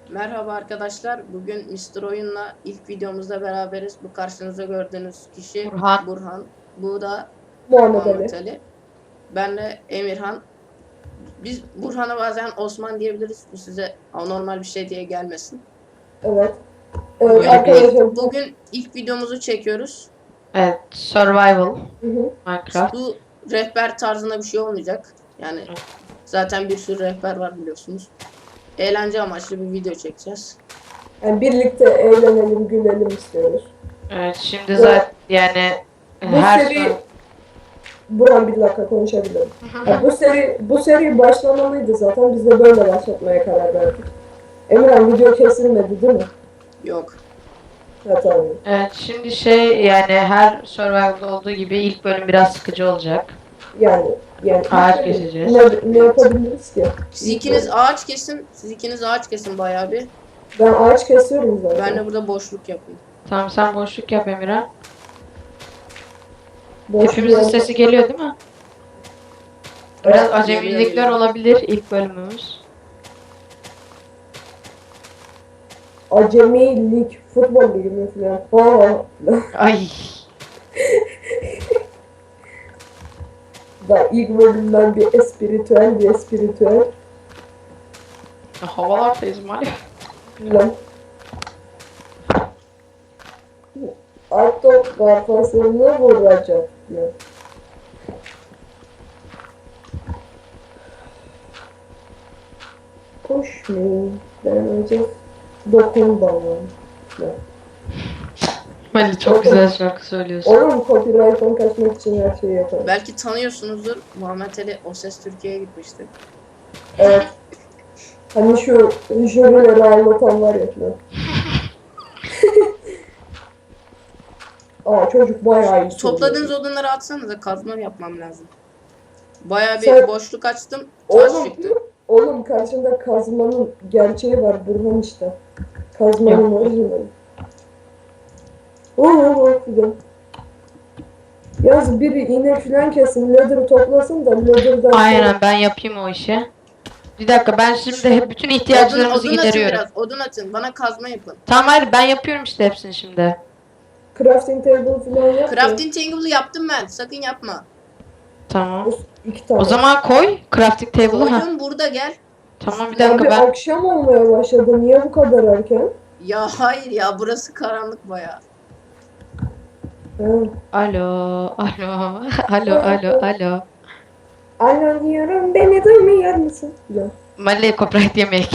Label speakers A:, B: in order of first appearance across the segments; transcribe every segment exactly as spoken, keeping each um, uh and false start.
A: Merhaba arkadaşlar. Bugün mister Oyun'la ilk videomuzda beraberiz. Bu karşınızda gördüğünüz kişi
B: Burhan.
A: Burhan. Bu da
C: Muhammed
A: Muhammed
C: Ali.
A: Ali. Ben de Emirhan. Biz Burhan'a bazen Osman diyebiliriz. Bu size anormal bir şey diye gelmesin.
C: Evet. Evet
B: Böyle
C: arkadaşlar.
A: Bugün ilk videomuzu çekiyoruz.
B: Evet, survival.
C: Hı hı.
B: Minecraft.
A: Bu rehber tarzında bir şey olmayacak. Yani zaten bir sürü rehber var biliyorsunuz. Eğlence amaçlı bir video çekeceğiz.
C: Yani birlikte eğlenelim, gülelim istiyoruz.
B: Evet, şimdi zaten yani
C: Bu
B: her
C: seri
B: sur-
C: Buran bir dakika konuşabilirim. Ya bu seri bu seri başlamalıydı zaten. Biz de böyle başlatmaya karar verdik. Emirhan video kesilmedi değil mi?
A: Yok.
C: Ha tamam.
B: Evet, şimdi şey yani her survival'da olduğu gibi ilk bölüm biraz sıkıcı olacak.
C: Yani yani
B: Ağaç keseceğiz.
C: Ne, ne yapabiliriz ki?
A: Siz ikiniz ağaç kesin. Siz ikiniz ağaç kesin bayağı bir.
C: Ben ağaç kesiyorum zaten.
A: Ben de burada boşluk yapayım.
B: Tamam, sen boşluk yap Emirhan.
C: Boş
B: Hepimizin
C: bir-
B: sesi geliyor değil mi? Biraz
C: Evet,
B: acemilikler
A: geliyor.
B: olabilir ilk bölümümüz.
C: Acemi lig, futbol ligi mi falan. Ha.
B: Ay.
C: Da ilk bölümden bir espiritüel bir espiritüel
B: Havalardayız maalesef.
C: filan. Atok kafasını vuracak diyor. Push me, deneyecek. Dokun bana. Ya.
B: Mali çok güzel şarkı söylüyorsun.
C: Oğlum copyright'tan kaçmak için her şeyi yaparım.
A: Belki tanıyorsunuzdur. Muhammed Ali O Ses Türkiye'ye gitmişti.
C: Evet. Hani şu jürileri ağlatan var ya filan. Aa çocuk bayağı iyi.
A: Topladığınız
C: söylüyor.
A: odunları atsanıza, kazma yapmam lazım. Bayağı bir
C: Sen-
A: boşluk açtım. Taş
C: Oğlum,
A: çıktı.
C: oğlum karşında kazmanın gerçeği var Burhan işte. Kazmanın
B: Yok.
C: orijinali. Oo filan. Yaz biri iğne filan kesin, leather toplasın da leather'dan
B: Aynen, ben yapayım o işi. Bir dakika, ben şimdi hep bütün
A: Odun,
B: ihtiyaçlarımızı
A: odun atın
B: gideriyorum.
A: biraz. Odun atın. Bana kazma yapın.
B: Tamam, hayır, ben yapıyorum işte hepsini şimdi.
C: crafting table filan yap. da.
A: Crafting table'ı yaptım ben. Sakın yapma.
B: Tamam.
C: İki tane.
B: O zaman koy crafting table'ı. Ha.
A: Koydum burada, gel.
B: Tamam, bir
C: Abi
B: dakika ben.
C: akşam olmaya başladı. Niye bu kadar erken?
A: Ya hayır ya, burası karanlık bayağı.
C: Ha.
B: Alo, alo, alo, alo, alo.
C: Alo diyorum, beni duymuyor musun? Ya.
B: Mali copyright yemek.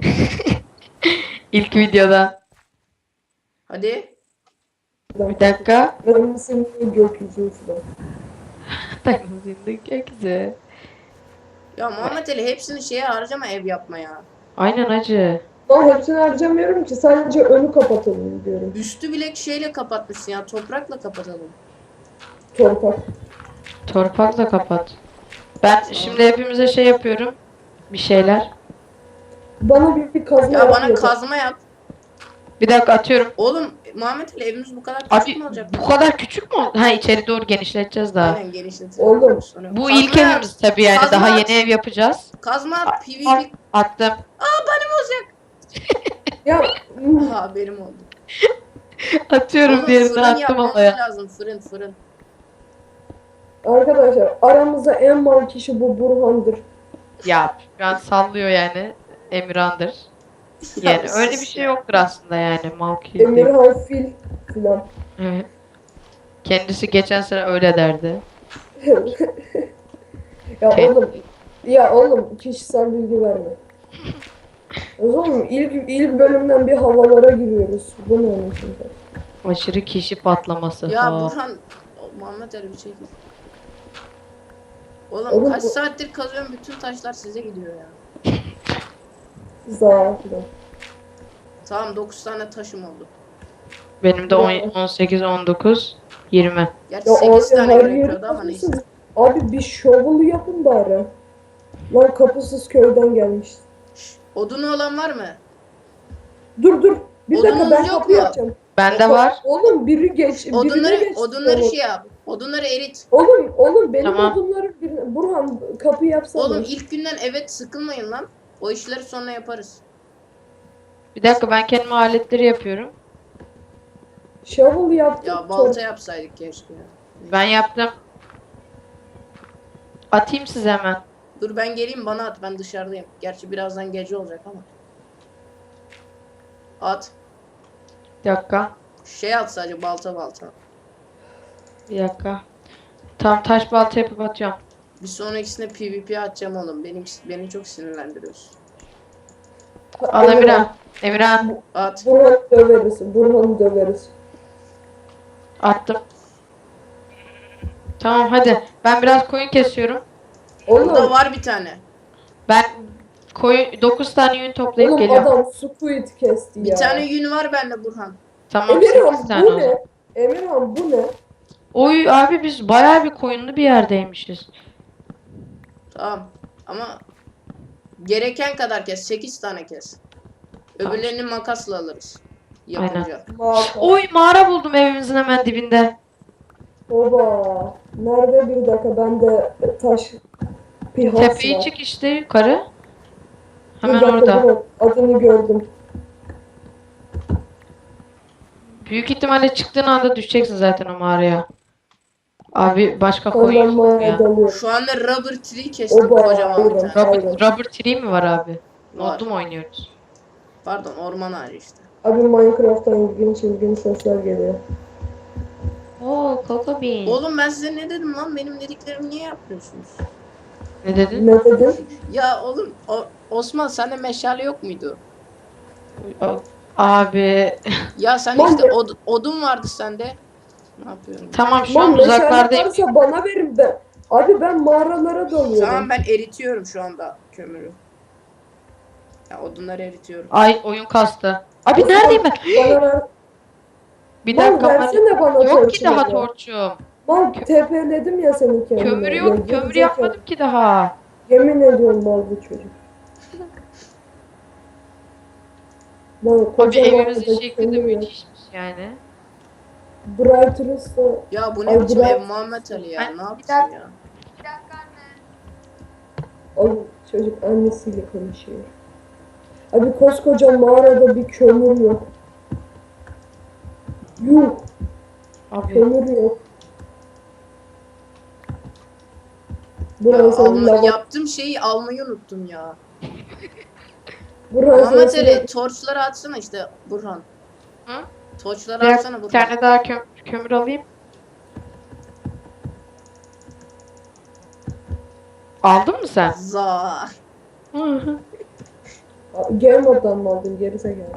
B: İlk videoda.
A: Hadi.
B: Bir dakika.
C: Ben senin gökyüzü falan.
B: Dayanızın gökyüzü.
A: Ya Muhammed Ali, hepsini şeye harcama, ev yapmaya.
B: Aynen acı.
C: Ben hepsini harcamıyorum ki, sadece önü kapatalım diyorum.
A: Üstü bile şeyle kapatmışsın ya. Toprakla kapatalım.
C: Torpak.
B: Torpakla kapat. Ben şimdi hepimize şey yapıyorum. Bir şeyler.
C: Bana bir, bir kazma
A: Ya bana
C: yapıyor.
A: kazma yap.
B: Bir dakika atıyorum.
A: Oğlum Muhammed Ali, evimiz bu kadar küçük
B: Abi
A: mü olacak?
B: bu kadar küçük mü? Ha, içeri doğru genişleteceğiz daha.
A: Aynen, genişletelim.
C: Oğlum,
A: Sonra-
B: Bu
A: Kazma
B: ilk
A: yap.
B: evimiz tabii yani.
A: Kazma
B: Daha
A: at.
B: yeni ev yapacağız.
A: Kazma at,
B: Al,
A: PvP.
B: attım.
A: Benim olacak.
C: Ya
A: Ha, benim oldu.
B: Atıyorum,
A: Oğlum
B: diğerini
A: fırın
B: attım
A: yapmamız
B: havaya.
A: lazım. Fırın fırın.
C: arkadaşlar, aramızda en mal kişi bu Burhan'dır.
B: Ya şu an sallıyor yani. Emirhan'dır. Yani
A: Ya
B: öyle
A: sus
B: bir şey
A: ya.
B: yoktur aslında yani. Malki değil.
C: Emirhan Fil filan.
B: Evet. Kendisi geçen sene öyle derdi.
C: Ya
B: Ke-
C: oğlum, ya oğlum kişisel bilgi verme. Oğlum ilk ilk bölümden bir havalara giriyoruz. Bu ne onun için?
B: Aşırı kişi patlaması.
A: Ya
B: Ha.
A: Burhan, o, Muhammed Ali bir şey değil. Oğlum,
C: Oğlum
A: kaç
C: bu-
A: saattir kazıyorum, bütün taşlar size gidiyor ya.
C: Za filan.
A: Tamam, dokuz tane taşım oldu.
B: Benim de on- on sekiz, on dokuz, yirmi.
A: Gerçi
C: Ya
A: sekiz
C: abi
A: tane
C: her yeri
A: gerekiyordu ama neyse.
C: kapısız. Abi bir shovel yapın bari. Lan kapısız köyden gelmiş.
A: Odunu olan var mı?
C: Dur dur. Bir dakika
A: Odunumuz
C: ben
A: yok
C: kapı
A: mu?
C: yapacağım.
B: Bende var.
C: Oğlum biri geç. birine
A: Odunları,
C: geç.
A: odunları
C: Oğlum.
A: şey yap. Odunları erit.
C: Oğlum oğlum benim
B: Tamam.
C: odunları birine... Burhan kapı yapsana.
A: Oğlum ilk günden evet sıkılmayın lan. O işleri sonra yaparız.
B: Bir dakika ben kendime aletleri yapıyorum.
C: Shovel yaptık.
A: Ya balta yapsaydık keşke ya.
B: Ben yaptım. Atayım size hemen.
A: Dur ben geleyim, bana at, ben dışarıdayım. Gerçi birazdan gece olacak ama. At.
B: Bir dakika.
A: Şey at sadece, balta balta.
B: Bir dakika. Tam taş balta yapıp atıyorum.
A: Bir sonrakisinde PvP atacağım oğlum. Benim beni çok sinirlendiriyorsun.
B: Al Emirhan. Emirhan
A: At.
C: Burhan'ı döveriz. Burhan'ı döveriz.
B: attım. Tamam hadi. Ben biraz koyun kesiyorum.
A: Burada
C: Oğlum,
A: var bir tane.
B: Ben koyun dokuz tane yün toplayıp
C: oğlum
B: geliyorum.
C: adam squid kesti
A: Bir
C: ya.
A: tane yün var bende Burhan.
B: Tamam sekiz
C: Emirhan
B: tane
C: bu
B: o zaman.
C: ne? Emirhan bu ne?
B: Oy abi biz bayağı bir koyunlu bir yerdeymişiz.
A: Tamam. Ama gereken kadar kes. sekiz tane kes. Öbürlerini makasla alırız. Yapınca.
C: Mağara.
B: Oy mağara buldum evimizin hemen dibinde.
C: Baba. Nerede bir dakika bende taş pihas
B: Tepeyi
C: var.
B: çık işte yukarı.
C: Bir
B: Hemen
C: dakika,
B: orada.
C: dur, adını gördüm.
B: Büyük ihtimalle çıktığın anda düşeceksin zaten o mağaraya. Abi başka
C: Ondan
B: koyun yok
C: mağaraya
B: ya.
C: dalıyorum.
A: Şu anda rubber tree kestim,
C: Oba,
A: kocaman bir
C: aynen.
A: tane.
B: Rubber, rubber tree mi var abi?
A: Var.
B: Modlu mu oynuyoruz?
A: Pardon, orman ağacı işte.
C: Abi Minecraft'tan ilginç ilginç sesler geliyor.
B: Oo Coco Bean.
A: Oğlum ben size ne dedim lan? Benim dediklerimi niye yapmıyorsunuz?
B: Ne dedin?
C: Ne dedin?
A: Ya oğlum o, Osman sende meşale yok muydu?
B: Abi
A: Ya sen
C: Lan
A: işte
C: be-
A: od- odun vardı sende. Ne yapıyorum?
B: tamam şu an
C: Lan meşale
B: uzaklardayım.
C: varsa bana verin ben. Abi ben mağaralara dalıyorum.
A: Tamam ben eritiyorum şu anda kömürü. Ya odunları eritiyorum.
B: Ay oyun kastı. Abi neredeyim ben?
C: Bana ver.
B: Bir
C: Lan
B: dakika ben...
C: versene bana
B: Yok ki
C: torçları.
B: daha torçum.
C: Lan tepeledim ya seni kendime.
B: Kömür
C: Ya,
B: yok. Kömür
C: gerizekalı.
B: yapmadım ki daha.
C: Yemin ediyorum mal bu çocuk. Lan
B: Abi
C: kocaman
B: evimizin
C: bir
B: şekli de
C: kömür yok.
B: müthişmiş yani.
C: Bright Rista.
A: Ya bu
C: Ay,
A: ne biçim
C: bırak.
A: ev Muhammed Ali ya?
B: Ben-
A: Ne yapsın
B: bir
A: ya?
C: Oğlum çocuk annesiyle konuşuyor. Abi koskoca mağarada bir kömür yok. Yok.
B: Abi
C: Kömür yok.
A: Ya
C: Burası
A: alma,
C: lava.
A: yaptığım şeyi almayı unuttum ya.
C: Burası
A: Muhammed Ali torçları atsana işte Burhan.
B: Hı?
A: Torçları
B: bir,
A: atsana
B: bir
A: Burhan.
B: tane daha köm kömür alayım. Aldın mı sen?
A: Za.
B: Hı hı.
C: Game moddan mı aldın gerizekalı?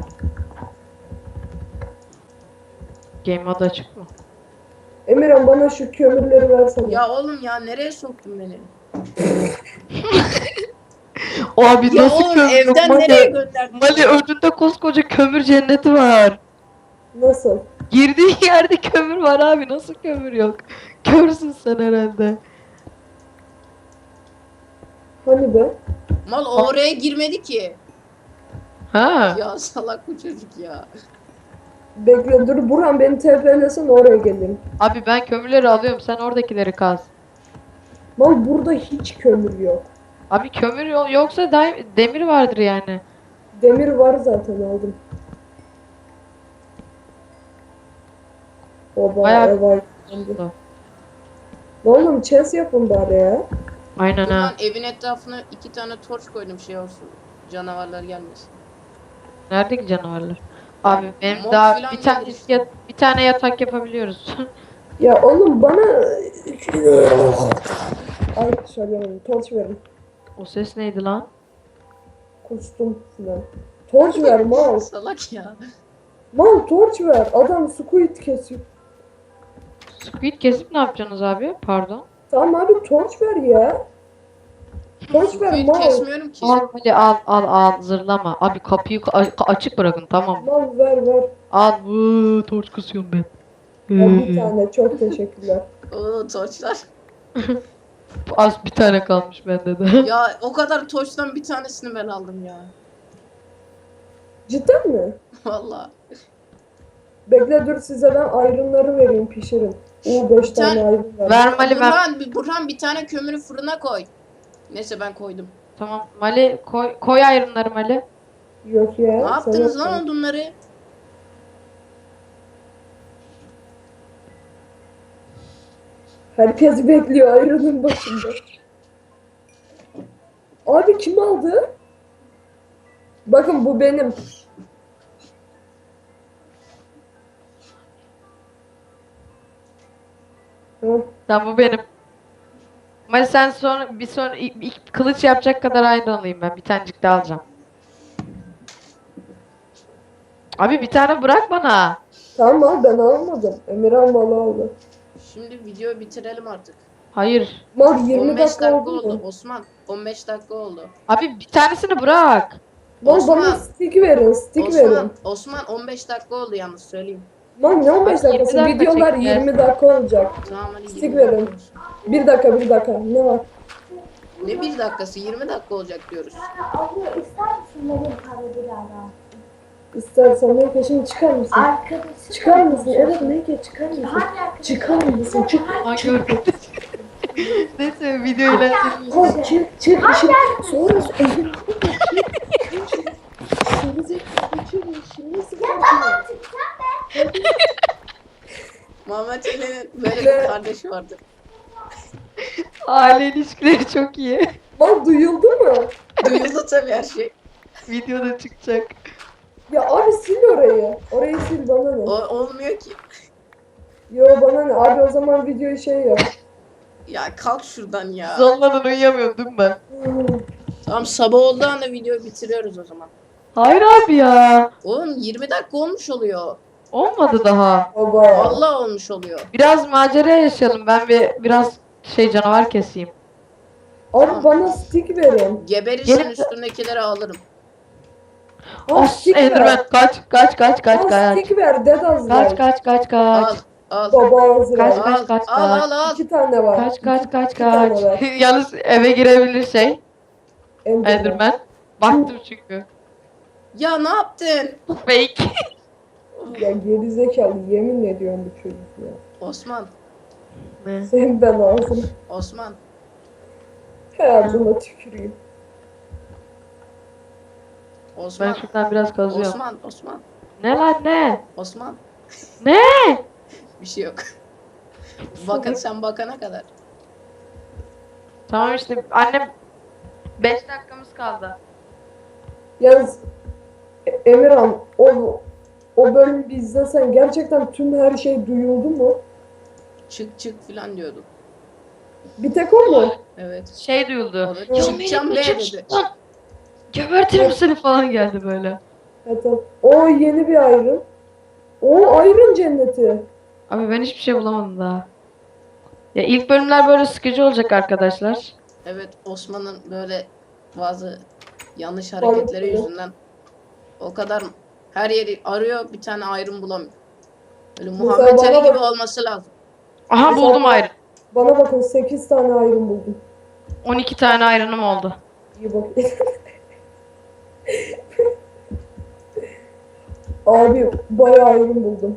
B: Game mode açık mı?
C: Emirhan bana şu kömürleri versene.
A: Ya oğlum ya nereye soktun beni?
B: Abi
A: Ya
B: nasıl
A: oğlum
B: kömür yok?
A: evden nereye
B: Mali,
A: gönderdin?
B: Mali önünde koskoca kömür cenneti var.
C: Nasıl?
B: Girdiğin yerde kömür var abi. Nasıl kömür yok? Körsün sen herhalde.
C: Hani be?
A: Mal oraya girmedi ki.
B: Ha.
A: Ya salak bu çocuk ya.
C: Bekle dur Burhan beni tepelesin oraya geleyim.
B: Abi ben kömürleri alıyorum. Sen oradakileri kaz.
C: Lan burada hiç kömür yok.
B: Abi kömür yo- yoksa da- demir vardır yani.
C: Demir var zaten aldım. Oba
B: Bayağı-
C: ev aydınlandı. Oğlum chest yapın bari ya.
B: Aynen
A: Burhan
B: ha.
A: evin etrafına iki tane torç koydum şey olsun. Canavarlar gelmesin.
B: Nerede ki canavarlar? Abi benim
A: Mob
B: daha
A: filan
B: bir tane
A: gelir işte.
B: yat- bir tane yatak yapabiliyoruz.
C: Ya oğlum bana... Ay söylemedim. Torç verin.
B: O ses neydi lan?
C: Kustum filan. Torç ver mal.
A: Salak ya.
C: Mal torç ver. Adam squid kesiyor.
B: Squid kesip ne yapacaksınız abi? Pardon.
C: Tamam abi torç ver ya. Torç ver
A: Squid
C: mal.
A: kesmiyorum ki.
B: Al hadi al al al zırlama. Abi kapıyı ka- a- açık bırakın tamam mı?
C: Mal ver ver.
B: Al bu torç kısıyorum ben.
C: Ya bir tane çok teşekkürler.
A: Oo torçlar.
B: Az bir tane kalmış bende de.
A: Ya o kadar torçtan bir tanesini ben aldım ya.
C: Cidden mi?
A: Vallahi.
C: Bekle dur size ben ayrımları vereyim pişirin. Oo beş
A: Bir
C: tane
A: tane-
C: ayrım var.
B: Ver Mali ver.
A: Burhan, bir- Burhan bir tane kömürü fırına koy. Neyse ben koydum.
B: Tamam Mali koy, koy ayrımları Mali.
C: Yok ya.
A: Ne
C: sen
A: yaptınız
C: yapma.
A: lan odunları?
C: Herkes bekliyor ayrının başında. Abi kim aldı? Bakın bu benim. Hı.
B: Tamam bu benim. Ama sen sonra bir sonra ilk, ilk kılıç yapacak kadar aynı alayım ben. Bir tanecik daha alacağım. Abi bir tane bırak bana.
C: Tamam abi ben almadım. Emirhan malı aldı.
A: Şimdi videoyu bitirelim artık.
B: Hayır.
C: Mal yirmi
A: on beş
C: dakika
A: dakika
C: oldu
A: oldu.
C: mu?
A: Osman on beş dakika oldu.
B: Abi bir tanesini bırak.
C: Mal
A: Osman.
C: bana stick verin, stick
A: Osman,
C: verin.
A: Osman on beş dakika oldu yalnız söyleyeyim.
C: Mal ne on beş
B: Abi yirmi
C: dakikası?
B: dakika
C: Videolar
B: çekeceğiz.
C: yirmi dakika olacak.
A: Tamam hadi
C: Stick
A: yirmi
C: verin.
A: dakika olsun.
C: Bir dakika bir dakika. Ne var?
A: Ne bir dakikası yirmi dakika olacak diyoruz.
D: Abla ister misin benim para birader?
C: İstersen Melike şimdi çıkar mısın?
D: Arkadaşım.
C: Çıkar mısın? Evet Melike çıkar mısın?
D: Hangi arkadaşım?
C: Çıkar mısın? Çık.
B: Hangi Neyse video ile.
C: Koy çık çık. Şimdi sonra elini koy. Şimdi şimdi
D: Tamam çıkacağım be.
A: Muhammed Ali'nin böyle
C: Ne?
A: bir kardeşi vardı.
B: Aile ilişkileri çok iyi.
C: Mal duyuldu mu?
A: Duyuldu tabii her şey.
B: Videoda çıkacak.
C: Ya abi sil orayı. Orayı sil bana ne?
A: O olmuyor ki.
C: Yo bana ne? Abi o zaman videoyu şey yap.
A: Ya kalk şuradan ya.
B: Zonladan uyuyamıyorum değil mi ben?
A: Tamam sabah olduğu anda videoyu bitiriyoruz o zaman.
B: Hayır abi ya.
A: Oğlum yirmi dakika olmuş oluyor.
B: Olmadı daha.
C: Baba.
A: Vallahi olmuş oluyor.
B: Biraz macera yaşayalım. Ben bir biraz şey canavar keseyim.
C: Abi bana stick verin.
A: Geberirsen
B: Gelin-
A: üstündekileri alırım.
C: Al
B: Of
C: stick ver.
B: Enderman kaç kaç kaç kaç
C: Al
B: kaç.
C: stick ver. Dead
B: Kaç
C: Azrail.
B: kaç kaç
A: Al.
B: kaç.
A: Al.
C: Baba Azrail.
B: Kaç,
A: Al.
B: kaç, kaç,
A: Al
B: kaç.
A: al al.
C: İki tane var.
B: Kaç kaç kaç
C: İki tane
B: kaç.
C: var.
B: Yalnız eve girebilir şey.
C: Enderman.
B: Enderman. Baktım çünkü.
A: Ya ne yaptın?
B: Fake.
C: Ya gerizekalı yemin ediyorum bu çocuk ya.
A: Osman.
B: Ne?
C: Senin ben ağzını.
A: Osman.
C: Hayatına tüküreyim.
B: Ben
A: Osman.
B: şuradan biraz kazıyorum.
A: Osman. Osman.
B: Ne lan ne?
A: Osman.
B: Ne?
A: Bir şey yok. Bakın sen bakana kadar.
B: Tamam işte annem beş dakikamız kaldı.
C: Yalnız E- Emirhan o o bölümü bir izlesen gerçekten tüm her şey duyuldu mu?
A: Çık çık filan diyordu.
C: Bir tek o mu?
A: Evet.
B: Şey duyuldu.
A: O da
B: Ya
A: çıkacağım be
B: Melih,
A: dedi.
B: çık lan. Gebertirim seni falan geldi böyle.
C: Evet, tamam. O yeni bir ayrım. O ayrım cenneti.
B: Abi ben hiçbir şey bulamadım daha. Ya ilk bölümler böyle sıkıcı olacak arkadaşlar.
A: Evet Osman'ın böyle bazı yanlış hareketleri
C: Vallahi.
A: yüzünden o kadar her yeri arıyor bir tane ayrım bulamıyor. Böyle
C: Mesela
A: Muhammed
C: bana
A: Ali gibi
C: bak-
A: olması lazım.
B: Aha
C: Mesela
B: buldum
C: bak-
B: ayrı.
C: Bana bakın sekiz tane ayrım buldum.
B: on iki tane ayrınım oldu.
C: İyi bak. Abi bayağı ayrım buldum.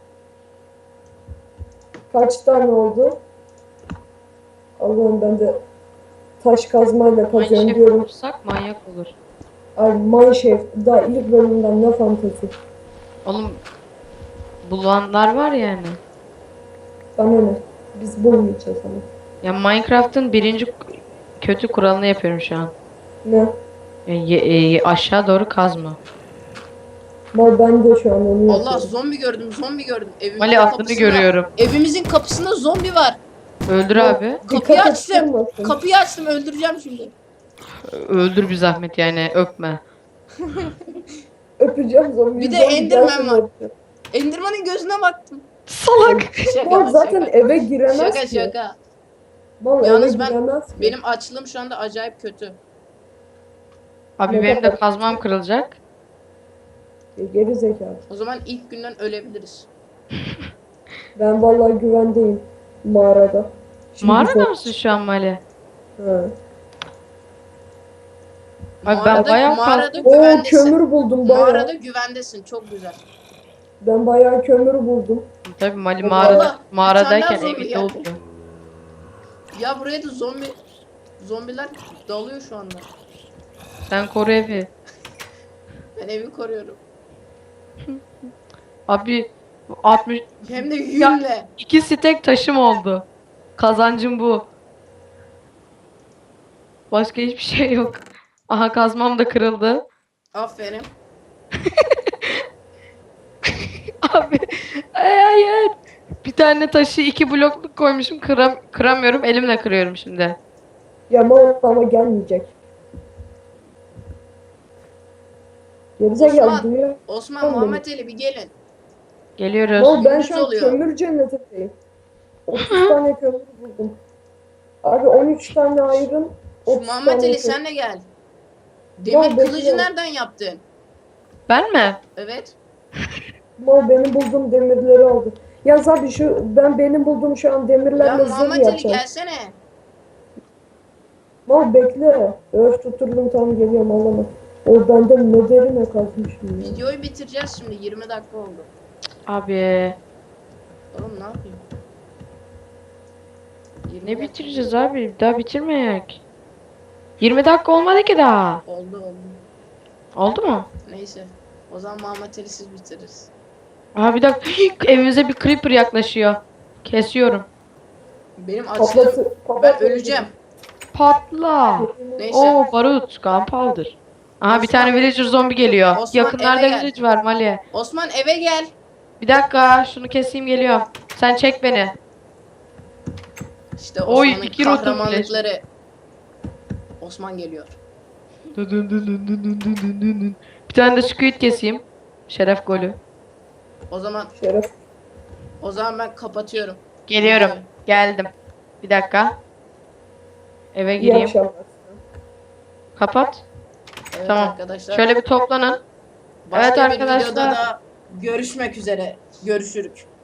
C: Kaç tane oldu? Allah'ım ben de taş kazmayla kazıyorum
B: Mineshaft
C: diyorum.
B: bulursak manyak olur.
C: Abi Mineshaft daha ilk bölümden ne fantezi.
B: Oğlum bulanlar var yani.
C: Bana ne? Biz bulmayacağız ama.
B: Ya Minecraft'ın birinci kötü kuralını yapıyorum şu an.
C: Ne?
B: Ya ye- e, aşağı doğru kazma.
C: Mal ben de şu an onu
A: Allah
C: yapıyorum.
A: zombi gördüm zombi gördüm. Evimizin
B: Mali adını
A: kapısında-
B: görüyorum.
A: Evimizin kapısında zombi var.
B: Öldür abi.
A: Kapıyı
C: Dikkat
A: açtım.
C: ettirmesin.
A: Kapıyı açtım öldüreceğim şimdi.
B: Öldür bir zahmet yani öpme.
C: Öpeceğim zombiyi.
A: Bir de
C: zombi
A: Enderman
C: gelsin
A: var.
C: öpeceğim.
A: Enderman'ın gözüne baktım.
B: Salak.
A: Şaka
C: Mal
A: lan,
C: zaten
A: şaka.
C: eve giremez
A: Şaka
C: ki.
A: şaka.
C: Mal
A: Yalnız
C: eve
A: ben-
C: giremez ki.
A: Benim açlığım şu anda acayip kötü.
B: Abi
C: Ne
B: benim de
C: kadar-
B: kazmam kırılacak.
C: E, geri zekalı.
A: O zaman ilk günden ölebiliriz.
C: Ben vallahi güvendeyim mağarada. Şimdi
B: Mağarada
C: zor-
B: mısın şu an Mali?
C: Ha.
B: Abi ben bayağı
A: mağarada
B: kalktım.
C: Oo
A: güvendesin.
C: kömür buldum bayağı.
A: Mağarada güvendesin. Çok güzel.
C: Ben bayağı kömür buldum.
B: Tabii Mali
C: Allah,
B: mağarada,
A: bir tane
B: mağaradayken
A: daha zombi
B: evinde
A: geldi.
B: oldu.
A: Ya buraya da zombi zombiler dalıyor şu anda.
B: Sen koru evi.
A: Ben evi koruyorum.
B: Abi altmış
A: Hem de yünle.
B: iki stek taşım oldu. Kazancım bu. Başka hiçbir şey yok. Aha kazmam da kırıldı.
A: Aferin.
B: Abi ay hayır. Bir tane taşı iki blokluk koymuşum kıram kıramıyorum elimle kırıyorum şimdi.
C: Ya mal ama gelmeyecek. Gerizekalı
A: Osman.
C: duyuyor.
A: Osman,
C: Tamam.
A: Muhammed Ali bir gelin.
B: Geliyoruz.
C: Mal ben
A: Gündüz
C: şu an
A: oluyor.
C: kömür cennetindeyim. otuz tane kömür buldum. Abi on üç tane ayrım.
A: Şu
C: otuz
A: Muhammed
C: tane
A: Ali
C: kömür.
A: sen de gel.
C: Ya
A: Demir kılıcı
C: bekliyorum.
A: nereden yaptın?
B: Ben mi?
A: Evet.
C: Mal benim bulduğum demirleri aldı. Yaz abi şu ben benim bulduğum şu an
A: Ya
C: demirlerle zırh
A: Muhammed Ali
C: yapacağım.
A: gelsene.
C: Mal bekle. Öf tutturdum tam geliyorum ağlama. O benden ne derine kazmışım ya.
A: Videoyu bitireceğiz şimdi. yirmi dakika oldu.
B: Abi
A: Oğlum ne yapayım? yirmi
B: ne
A: dakika
B: bitireceğiz abi? Daha bitirmeyek. yirmi dakika olmadı ki daha.
A: Oldu oldu.
B: Oldu mu?
A: Neyse. O zaman Muhammed Ali siz bitiririz.
B: Aha bir dakika. Evimize bir creeper yaklaşıyor. Kesiyorum.
A: Benim açlığım...
C: Patlatı,
A: Ben
C: patlatı-
A: öleceğim.
B: Patla.
A: Neyse.
B: Oo barut. Gunpowder. Aha bir tane villager zombi geliyor.
A: Osman,
B: Yakınlarda
A: eve gel.
B: village var Mali.
A: Osman eve gel.
B: Bir dakika şunu keseyim geliyor. Sen çek beni.
A: İşte
B: Oy,
A: Osman'ın
B: iki rotum
A: kahramanlıkları. Osman geliyor.
B: Bir tane de squid keseyim. Şeref golü.
A: O zaman
C: Şeref.
A: o zaman ben kapatıyorum.
B: Geliyorum.
A: Videoyu.
B: Geldim. Bir dakika. Eve
C: İyi
B: gireyim.
C: akşamlar.
B: Kapat.
A: Evet
B: Tamam.
A: arkadaşlar.
B: Şöyle bir toplanın.
A: Başka
B: Evet
A: bir
B: arkadaşlar.
A: videoda da görüşmek üzere. Görüşürük.